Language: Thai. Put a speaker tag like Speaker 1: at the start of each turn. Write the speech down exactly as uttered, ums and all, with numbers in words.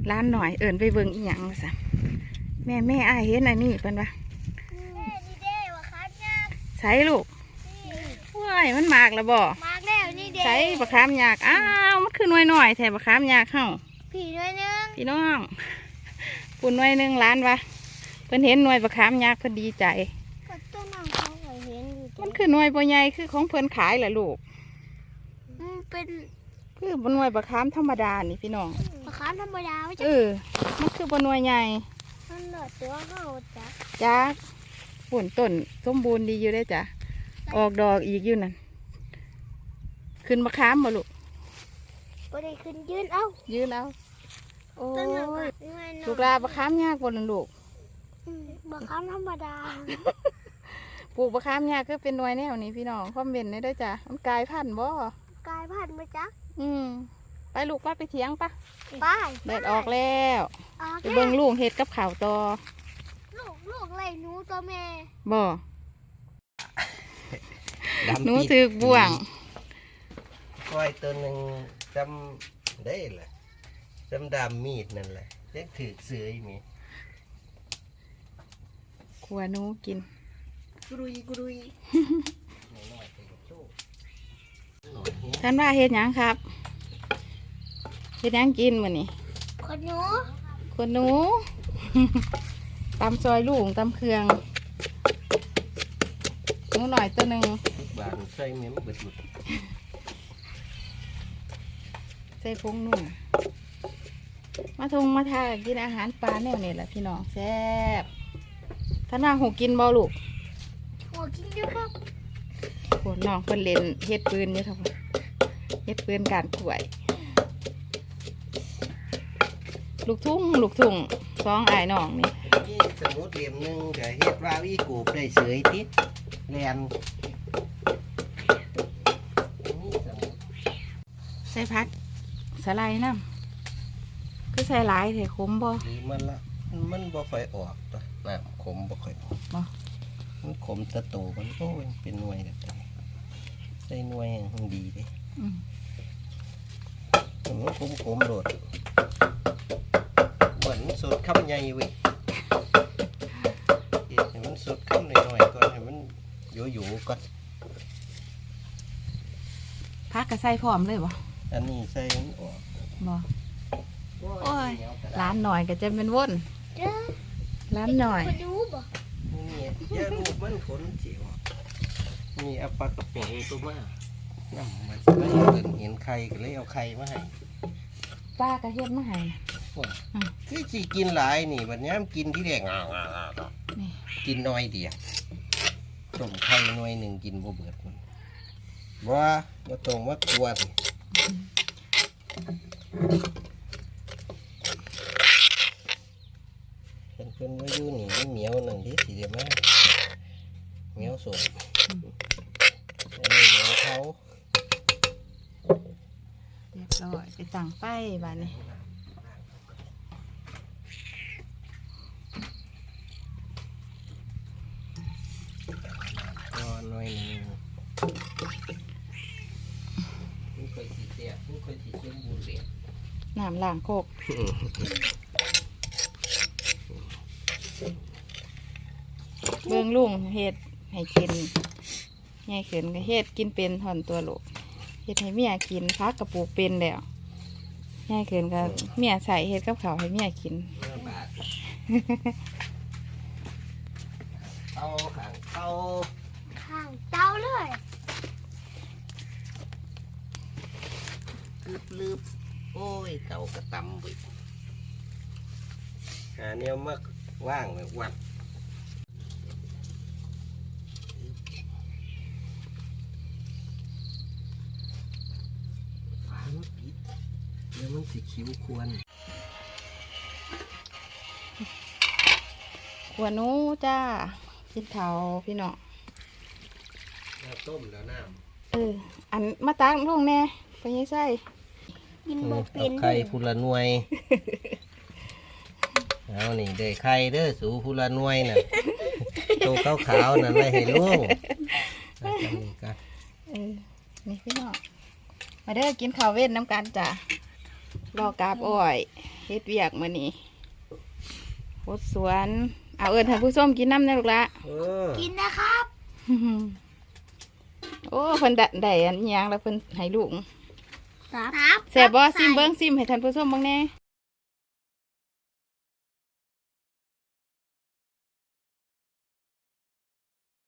Speaker 1: ร้านหน่อยเอิญไปเบิ่งอีหยังซะแม่แม่อ้ายเห็นอันนี้เพิ่นว่าใส่ลูกว้ายมันมากแล้วบ่มากแล้วนี่เด้ใส่บะขามยากอ้าวมันคือหน่วยหน่อยแถบะขามยากเข้าพี่หน่วยนึงพี่น้องปุ่นหน่วยนึงร้านวะเพิ่นเห็นหน่วยบะขามยากเพิ่นดีใจมันคือหน่วยบ่ใหญ่คือของเพิ่นขายแหละลูกเป็นคือบนหน่วยบะขามธรรมดานี่พี่น้องบะขามธรรมดาเออมันคือบนหน่วยใหญ่มันหลอดตัวเข้าจ้ะจ้าปุ่นต้นสมบูรณ์ดีอยู่ได้จ้ะออกดอกอีกอยู่นั่นขึ้นบะขามบ่ลูกบ่ได้ขึ้นยืนเอายืนเอาโอ้ยลูกลาบะขามยากกว่านั่นลูกบะขามธรรมดาปลูกบะขามยากก็เป็นหน่วยแนวนี้พี่น้องคอมเมนต์ได้ด้วยจ้ะมันกลายพันธุ์บ่กลายพันธุ์ไหมจ๊ะอืมไปลูกป้าไปเถียงปะไปแดดออกแล้วไปเบิ่งลูกเห็ดกับข่าวต่อลูกลูกไรหนูตัวแม่บ่หนูถือบ่วง
Speaker 2: ก้อยตัวหนึ่งจำได้แหละจำดามมีดนั่นแหละเล็กถือเสือมี
Speaker 1: ขัวหนูกิน
Speaker 2: กรุยกรุย
Speaker 1: ท่านว่าเฮ็ดหยังครับเฮ็ดหยังกินมื้อนี้คนหนูคนหนูตำซอยลูกตำเครื่องหนูหน่อยตัวหนึ่ง
Speaker 2: บานใส่เมียมเบิดหมด
Speaker 1: ใส่พงนุ่มมาทงมาทากินอาหารปลาแนวนี่แหละพี่น้องแซ่บท่านว่าหูกินบ่ลูกหูกินอยู่ครับโหน้องเพิ่นเล่นเฮ็ดปืนอยู่ทั้งเฮ็ดปืนการขวยลูกทุ่งลูกทุ่งสองไอ้น้องนี่
Speaker 2: นี่สมุดเหลี่ยมหนึ่งแต่เฮ็ดว่าวิกูบได้เสยติดแลน
Speaker 1: ใส่พักสไลด์น้ำคือใส่หลายเถอะขมบ่
Speaker 2: หรือมันละมันบ่ค่อยออกตัวน้ำขมบ่ค่อยออก
Speaker 1: บ่
Speaker 2: มันขมตะโตมันโอ้ยเป็นหน่วยแบบนี้ใส่หน่วยมันดีดิมันขมขมโดดเหมือนสดคำใหญ่เว้ยเห็นมันสดคำหน่อยๆก่อนให้มันอยู่ๆก่อน
Speaker 1: พักกระใส่พร้อมเลยบ่
Speaker 2: อันนี้ใส่มันออก
Speaker 1: บ่โอ้ยร้านหน่อยก็จะเป็นว่นร้านหน่อย
Speaker 2: นี่ยาลูกมันขนเจียวนี่เอาปลากระป๋องตัวมาน้ำมันก็เห็นไข่ก็เลยเอาไข่มาให้
Speaker 1: ปลากระเทียมมาให้
Speaker 2: คือสิกินหลายนี่บัดนี้กินที่แรกงากินน้อยเดียวต้มไข่น้อยหนึ่งกินบ่เบิดมันว่าบ่ต้องมากวนเป็นเป็นว่าอยู่นี่มันเหนียวหนึ่งที่สีเดียวมากเหนียวสดอันนี้เหนียวเขา
Speaker 1: เรียบร้อยไปสั่งไปบ้านนี้
Speaker 2: รอหน่อยนึงไม่เคยสีเสียไม่เคยสีเชื่อมบูเสีย
Speaker 1: น้ำล้างโคกเบื้องลุงเฮ็ดให้กินง่ายขึ้นก็เฮ็ดกินเป็นถอนตัวลูกเฮ็ดให้เมียกินพักกระปุกเป็นแล้วง่ายขึ้นก็เมียใส่เฮ็ดกับข้าวให้เมียกิน
Speaker 2: เตาข้างเตา
Speaker 1: ข้างเตาเลย
Speaker 2: ลืบลืบโอ้ยเตากระตำไปหาแนวมักว่างเลยวัดฝามันปิดแล้วมันสีคิ้วควร
Speaker 1: ขวหนูจ้ากินข้าวพี่น้อง
Speaker 2: ต้มแล้วน้ำ
Speaker 1: เอออันมาตักลงแน่ไปยังไส้
Speaker 2: กินบ่เป็นไข่พูละหน่วยเอานี่เด้ไข่เด้อสูพูละหน่วยน่ะโตขาวขาวนั่นไม่เห็นลูกนี่กัน
Speaker 1: เออนี่พี่น้องมาเด้อกินข้าวเว้นน้ำกันจ้ะรอกาบอ้อยเฮ็ดเวียกมื้อนี้โคตรสวนเอาเอิ้นท่านผู้ชมกินน้ำแน่ลูกละ
Speaker 2: เออ
Speaker 3: กินนะครับ
Speaker 1: โอ้เพิ่นได้ได้อันอิหยังแล้วเพิ่นให้ลูก
Speaker 3: ครับ
Speaker 1: แซ่บบ่ซิมเบิ่งซิมให้ท่านผู้ชมเบิ่งแหน่